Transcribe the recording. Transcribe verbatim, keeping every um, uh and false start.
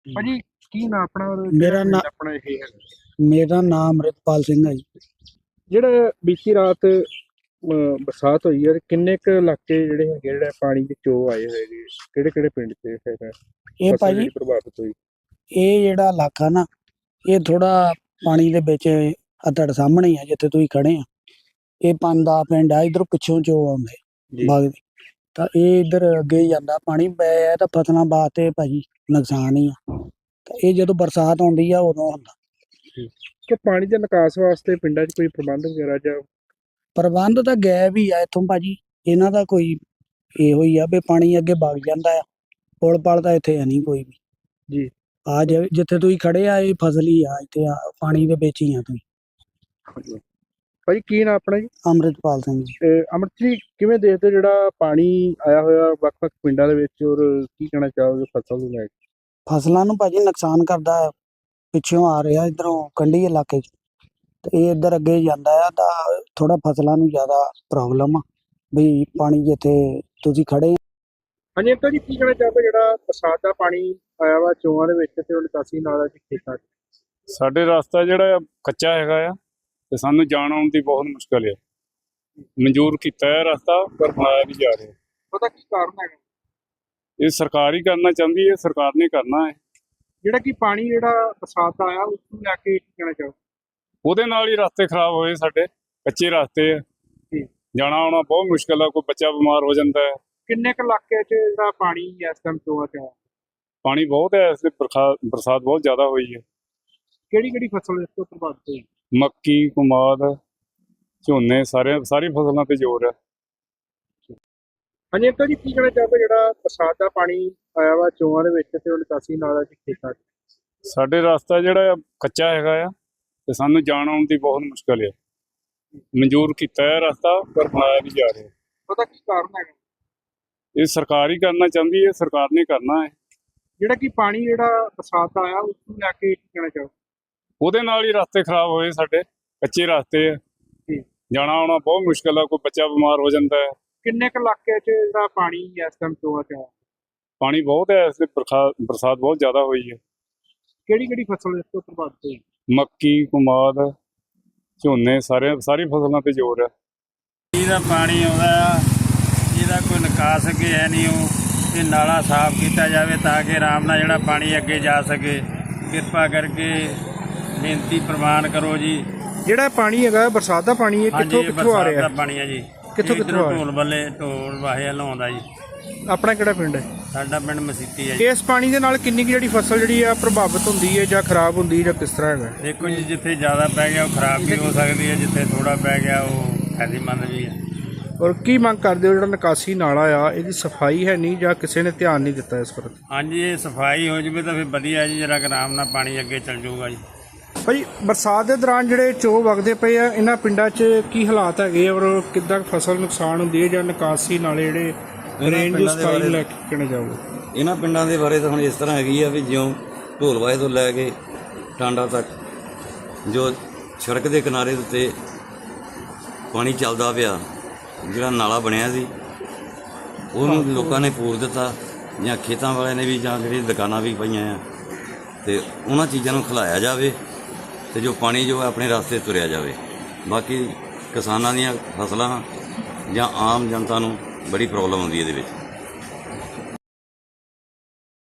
ਭਾਜੀ ਕੀ ਨਾਂ ਆਪਣਾ ਔਰ ਮੇਰਾ ਕਿਹੜਾ ਨਾਂ ਪਿੰਡ ਆਪਣਾ ਇਹ ਹੈ? ਮੇਰਾ ਨਾਮ ਅੰਮ੍ਰਿਤਪਾਲ ਸਿੰਘ ਹੈ ਜੀ। ਜਿਹੜਾ ਬੀਤੀ ਰਾਤ ਅਹ, ਬਰਸਾਤ ਹੋਈ ਹੈ, ਕਿੰਨੇ ਕੁ ਇਲਾਕੇ ਜਿਹੜੇ ਹੈਗੇ ਜਿਹੜਾ ਪਾਣੀ ਦੇ ਚੋ ਆਏ ਹੋਏ ਨੇ, ਕਿਹੜੇ ਕਿਹੜੇ ਪਿੰਡ ਤੇ ਹੈਗਾ ਇਹ ਫਸਲ ਭਾਜੀ ਜਿਹੜੀ ਪ੍ਰਭਾਵਿਤ ਹੋਈ? ਇਹ ਜਿਹੜਾ ਇਲਾਕਾ ਨਾ ਇਹ ਥੋੜਾ ਪਾਣੀ ਦੇ ਵਿੱਚ ਆ ਤੁਹਾਡੇ ਸਾਹਮਣੇ ਹੀ ਆ ਜਿੱਥੇ ਤੁਸੀਂ ਖੜੇ ਆ। ਇਹ ਪੰਜ ਦਾ ਪਿੰਡ ਆ, ਇਧਰੋਂ ਪਿੱਛੋਂ ਚੋ ਆਉਂਦੇ ਜੀ ਬਾਗ ਦੇ, ਤਾਂ ਇਹ ਇਧਰ ਅੱਗੇ ਹੀ ਜਾਂਦਾ ਪਾਣੀ ਪੈ ਤਾਂ ਫਸਲਾਂ ਵਾਸਤੇ ਭਾਜੀ ਨੁਕਸਾਨ ਹੀ ਆ। ਤਾਂ ਇਹ ਜਦੋਂ ਬਰਸਾਤ ਆਉਂਦੀ ਆ ਉਦੋਂ ਹੁੰਦਾ। ਕਿ ਪਾਣੀ ਦੇ ਨਿਕਾਸ ਵਾਸਤੇ ਪਿੰਡਾਂ 'ਚ ਕੋਈ ਪ੍ਰਬੰਧ ਵਗੈਰਾ ਜਾਂ ਪ੍ਰਬੰਧ ਤਾਂ ਗਾਇਬ ਹੀ ਆ ਇੱਥੋਂ ਭਾਜੀ, ਇਹਨਾਂ ਦਾ ਕੋਈ ਇਹੋ ਹੀ ਆ ਵੀ ਪਾਣੀ ਅੱਗੇ ਵਗ ਜਾਂਦਾ ਆ। ਪੁਲ ਪਲ ਤਾਂ ਇੱਥੇ ਹੈ ਨਹੀਂ ਕੋਈ ਵੀ ਜੀ ਆ ਜਿੱਥੇ ਤੁਸੀਂ ਖੜੇ ਆ ਇਹ ਫਸਲ ਹੀ ਆ, ਇੱਥੇ ਆ ਪਾਣੀ ਦੇ ਵਿੱਚ ਹੀ ਆ ਤੁਸੀਂ। ਭਾਜੀ ਕੀ ਨਾਂ ਆਪਣਾ ਜੀ? ਅੰਮ੍ਰਿਤਪਾਲ ਸਿੰਘ ਜੀ। ਤੇ ਅਮਰਤ ਜੀ ਕਿਵੇਂ ਦੇਖਦੇ ਜਿਹੜਾ ਪਾਣੀ ਆਇਆ ਹੋਇਆ ਵੱਖ-ਵੱਖ ਪਿੰਡਾਂ ਦੇ ਵਿੱਚ, ਔਰ ਕੀ ਕਹਿਣਾ ਚਾਹੋਗੇ ਫਸਲ ਨੂੰ ਲੈ ਕੇ? ਫਸਲਾਂ ਨੂੰ ਭਾਜੀ ਨੁਕਸਾਨ ਕਰਦਾ ਹੈ। ਪਿੱਛੋਂ ਆ ਰਿਹਾ ਇਧਰੋਂ ਕੰਢੀ ਇਲਾਕੇ 'ਚ, ਤੇ ਇਹ ਇੱਧਰ ਅੱਗੇ ਜਾਂਦਾ ਆ ਤਾਂ ਥੋੜਾ ਫਸਲਾਂ ਨੂੰ ਜ਼ਿਆਦਾ ਪ੍ਰੋਬਲਮ ਆ ਵੀ ਪਾਣੀ ਜਿੱਥੇ ਤੁਸੀਂ ਖੜੇ। ਹਾਂਜੀ ਅੰਕਲ ਜੀ ਕੀ ਕਹਿਣਾ ਚਾਹੋਗੇ ਜਿਹੜਾ ਬਰਸਾਤ ਦਾ ਪਾਣੀ ਆਇਆ ਵਾ ਚੋਆਂ ਦੇ ਵਿੱਚ ਤੇ ਉਹ ਨਿਕਾਸੀ ਨਾਲਾ ਚ ਖੇਤਾਂ 'ਚ? ਸਾਡੇ ਰਸਤਾ ਜਿਹੜਾ ਆ ਕੱਚਾ ਹੈਗਾ ਆ ਤੇ ਸਾਨੂੰ ਜਾਣ ਆਉਣ ਦੀ ਬਹੁਤ ਮੁਸ਼ਕਲ ਹੈ। ਮਨਜ਼ੂਰ ਕੀਤਾ ਹੈ ਰਸਤਾ ਪਰ ਬਣਾਇਆ ਨਹੀਂ ਜਾ ਰਿਹਾ। ਉਹਦਾ ਕੀ ਕਾਰਨ ਹੈਗਾ? ਇਹ ਸਰਕਾਰ ਹੀ ਕਰਨਾ ਚਾਹੁੰਦੀ ਹੈ, ਸਰਕਾਰ ਨੇ ਕਰਨਾ ਹੈ। ਜਿਹੜਾ ਕਿ ਪਾਣੀ ਜਿਹੜਾ ਬਰਸਾਤ ਦਾ ਆਇਆ ਉਸ ਨੂੰ ਲੈ ਕੇ ਕੀ ਕਹਿਣਾ ਚਾਹੋ? ਉਹਦੇ ਨਾਲ ਹੀ ਰਸਤੇ ਖਰਾਬ ਹੋਏ, ਸਾਡੇ ਕੱਚੇ ਰਸਤੇ ਆ, ਜਾਣਾ ਆਉਣਾ ਬਹੁਤ ਮੁਸ਼ਕਲ ਆ। ਕੋਈ ਬੱਚਾ ਬਿਮਾਰ ਹੋ ਜਾਂਦਾ ਹੈ। ਕਿੰਨੇ ਕੁ ਇਲਾਕੇ 'ਚ ਜਿਹੜਾ ਪਾਣੀ ਇਸ ਟਾਈਮ ਚੋਆਂ 'ਚ ਆਇਆ? ਪਾਣੀ ਬਹੁਤ ਹੈ, ਇਸ ਲਈ ਬਰਸਾਤ ਬਹੁਤ ਜ਼ਿਆਦਾ ਹੋਈ ਹੈ। ਕਿਹੜੀ ਕਿਹੜੀ ਫਸਲ ਇਸ ਤੋਂ ਪ੍ਰਭਾਵਿਤ ਹੋਈ? ਮੱਕੀ, ਕਮਾਦ, ਝੋਨੇ, ਸਾਰੇ ਸਾਰੀ ਫਸਲਾਂ ਤੇ ਜ਼ੋਰ ਹੈ। ਹਾਂਜੀ ਅੰਕਲ ਜੀ ਕੀ ਕਹਿਣਾ ਚਾਹੋਗੇ ਜਿਹੜਾ ਬਰਸਾਤ ਦਾ ਪਾਣੀ ਆਇਆ ਵਾ ਚੋਆਂ ਦੇ ਵਿੱਚ ਤੇ ਉਹ ਨਿਕਾਸੀ ਨਾਲਾ ਚ ਖੇਤਾਂ 'ਚ? ਸਾਡੇ ਰਸਤਾ ਜਿਹੜਾ ਕੱਚਾ ਹੈਗਾ ਆ ਤੇ ਸਾਨੂੰ ਜਾਣ ਆਉਣ ਦੀ ਬਹੁਤ ਮੁਸ਼ਕਲ ਹੈ। ਮਨਜ਼ੂਰ ਕੀਤਾ ਹੈ ਰਸਤਾ ਪਰ ਬਣਾਇਆ ਨਹੀਂ ਜਾ ਰਿਹਾ। ਉਹਦਾ ਕੀ ਕਾਰਨ ਹੈਗਾ? ਇਹ ਸਰਕਾਰ ਹੀ ਕਰਨਾ ਚਾਹੁੰਦੀ ਹੈ, ਸਰਕਾਰ ਨੇ ਕਰਨਾ ਹੈ। ਜਿਹੜਾ ਕਿ ਪਾਣੀ ਜਿਹੜਾ ਬਰਸਾਤ ਦਾ ਆਇਆ ਉਸ ਨੂੰ ਲੈ ਕੇ ਕੀ ਕਹਿਣਾ ਚਾਹੋ? ਉਹਦੇ ਨਾਲ ਹੀ ਰਸਤੇ ਖਰਾਬ ਹੋਏ, ਸਾਡੇ ਕੱਚੇ ਰਸਤੇ ਆ, ਜਾਣਾ ਆਉਣਾ ਬਹੁਤ ਮੁਸ਼ਕਲ ਆ। ਕੋਈ ਬੱਚਾ ਬਿਮਾਰ ਹੋ ਜਾਂਦਾ ਹੈ। ਕਿੰਨੇ ਕੁ ਇਲਾਕੇ 'ਚ ਜਿਹੜਾ ਪਾਣੀ ਇਸ ਟਾਈਮ ਚੋਆਂ 'ਚ ਆਇਆ? ਪਾਣੀ ਬਹੁਤ ਹੈ, ਇਸ ਲਈ ਬਰਸਾਤ ਬਹੁਤ ਜ਼ਿਆਦਾ ਹੋਈ ਹੈ। ਕਿਹੜੀ ਕਿਹੜੀ ਫਸਲ ਇਸ ਤੋਂ ਪ੍ਰਭਾਵਿਤ ਹੋਈ? ਮੱਕੀ, ਕਮਾਦ, ਝੋਨੇ, ਸਾਰੇ ਸਾਰੀ ਫਸਲਾਂ ਤੇ ਜ਼ੋਰ ਹੈ। ਇਹਦਾ ਪਾਣੀ ਆਉਂਦਾ ਆ, ਇਹਦਾ ਕੋਈ ਨਿਕਾਸ ਅੱਗੇ ਹੈ ਨਹੀਂ। ਉਹ ਇਹ ਨਾਲਾ ਸਾਫ਼ ਕੀਤਾ ਜਾਵੇ ਤਾਂ ਕਿ ਆਰਾਮ ਨਾਲ ਜਿਹੜਾ ਪਾਣੀ ਅੱਗੇ ਜਾ ਸਕੇ। ਕਿਰਪਾ ਕਰਕੇ ਬੇਨਤੀ ਪ੍ਰਵਾਨ ਕਰੋ ਜੀ। ਜਿਹੜਾ ਪਾਣੀ ਹੈਗਾ ਬਰਸਾਤ ਦਾ ਪਾਣੀ ਇਹ ਕਿੱਥੋਂ ਕਿੱਥੋਂ ਆ ਰਿਹਾ? ਦਾ ਪਾਣੀ ਹੈ ਜੀ, ਕਿੱਥੋਂ ਕਿੱਥੋਂ ਆ ਰਿਹਾ? ਢੋਲ ਬੱਲੇ ਢੋਲ ਵਾਹੇ ਲਾਉਂਦਾ ਜੀ। ਆਪਣਾ ਕਿਹੜਾ ਪਿੰਡ ਹੈ? ਸਾਡਾ ਪਿੰਡ ਮਸੀਤੀ ਹੈ ਜੀ। ਇਸ ਪਾਣੀ ਦੇ ਨਾਲ ਕਿੰਨੀ ਕੁ ਜਿਹੜੀ ਫਸਲ ਜਿਹੜੀ ਆ ਪ੍ਰਭਾਵਿਤ ਹੁੰਦੀ ਹੈ ਜਾਂ ਖਰਾਬ ਹੁੰਦੀ ਹੈ ਜਾਂ ਕਿਸ ਤਰ੍ਹਾਂ ਹੈਗਾ? ਦੇਖੋ ਜੀ, ਜਿੱਥੇ ਜ਼ਿਆਦਾ ਪੈ ਗਿਆ ਉਹ ਖਰਾਬ ਵੀ ਹੋ ਸਕਦੀ ਹੈ, ਜਿੱਥੇ ਥੋੜਾ ਪੈ ਗਿਆ ਉਹ ਫਾਇਦੇਮੰਦ ਵੀ ਹੈ। ਔਰ ਕੀ ਮੰਗ ਕਰਦੇ ਹੋ ਜਿਹੜਾ ਨਿਕਾਸੀ ਨਾਲਾ ਆ ਇਹਦੀ ਸਫਾਈ ਹੈ ਨਹੀਂ ਜਾਂ ਕਿਸੇ ਨੇ ਧਿਆਨ ਨਹੀਂ ਦਿੱਤਾ ਇਸ ਪ੍ਰਤੀ? ਹਾਂਜੀ, ਇਹ ਸਫਾਈ ਹੋ ਜਾਵੇ ਤਾਂ ਫਿਰ ਵਧੀਆ ਜੀ, ਜਰਾ ਆਰਾਮ ਨਾਲ ਪਾਣੀ ਅੱਗੇ ਚੱਲ ਜਾਊਗਾ ਜੀ। ਭਾਈ ਬਰਸਾਤ ਦੇ ਦੌਰਾਨ ਜਿਹੜੇ ਚੋਅ ਵਗਦੇ ਪਏ ਆ ਇਹਨਾਂ ਪਿੰਡਾਂ 'ਚ ਕੀ ਹਾਲਾਤ ਹੈਗੇ ਔਰ ਕਿੱਦਾਂ ਫਸਲ ਨੁਕਸਾਨ ਹੁੰਦੀ ਹੈ ਜਾਂ ਨਿਕਾਸੀ ਨਾਲੇ ਜਿਹੜੇ ਰੇਂਜ ਦੀ ਸਫਾਈ ਨੂੰ ਲੈ ਕੇ ਕਹਿਣਾ ਜਾਊਗਾ? ਇਹਨਾਂ ਪਿੰਡਾਂ ਦੇ ਬਾਰੇ ਤਾਂ ਹੁਣ ਇਸ ਤਰ੍ਹਾਂ ਹੈਗੀ ਆ ਵੀ ਜਿਉਂ ਢੋਲਵਾਏ ਤੋਂ ਲੈ ਕੇ ਟਾਂਡਾ ਤੱਕ ਜੋ ਸੜਕ ਦੇ ਕਿਨਾਰੇ ਦੇ ਉੱਤੇ ਪਾਣੀ ਚੱਲਦਾ ਪਿਆ, ਜਿਹੜਾ ਨਾਲਾ ਬਣਿਆ ਸੀ ਉਹਨੂੰ ਲੋਕਾਂ ਨੇ ਪੂਰ ਦਿੱਤਾ, ਜਾਂ ਖੇਤਾਂ ਵਾਲਿਆਂ ਨੇ ਵੀ, ਜਾਂ ਜਿਹੜੀ ਦੁਕਾਨਾਂ ਵੀ ਪਈਆਂ ਆ, ਤੇ ਉਹਨਾਂ ਚੀਜ਼ਾਂ ਨੂੰ ਖਿਲਾਇਆ ਜਾਵੇ ਤੇ ਜੋ ਪਾਣੀ ਜੋ ਹੈ ਆਪਣੇ ਰਸਤੇ ਤੁਰਿਆ ਜਾਵੇ। ਬਾਕੀ ਕਿਸਾਨਾਂ ਦੀਆਂ ਫਸਲਾਂ ਜਾਂ ਆਮ ਜਨਤਾ ਨੂੰ ਬੜੀ ਪ੍ਰੋਬਲਮ ਆਉਂਦੀ ਹੈ ਇਹਦੇ ਵਿੱਚ।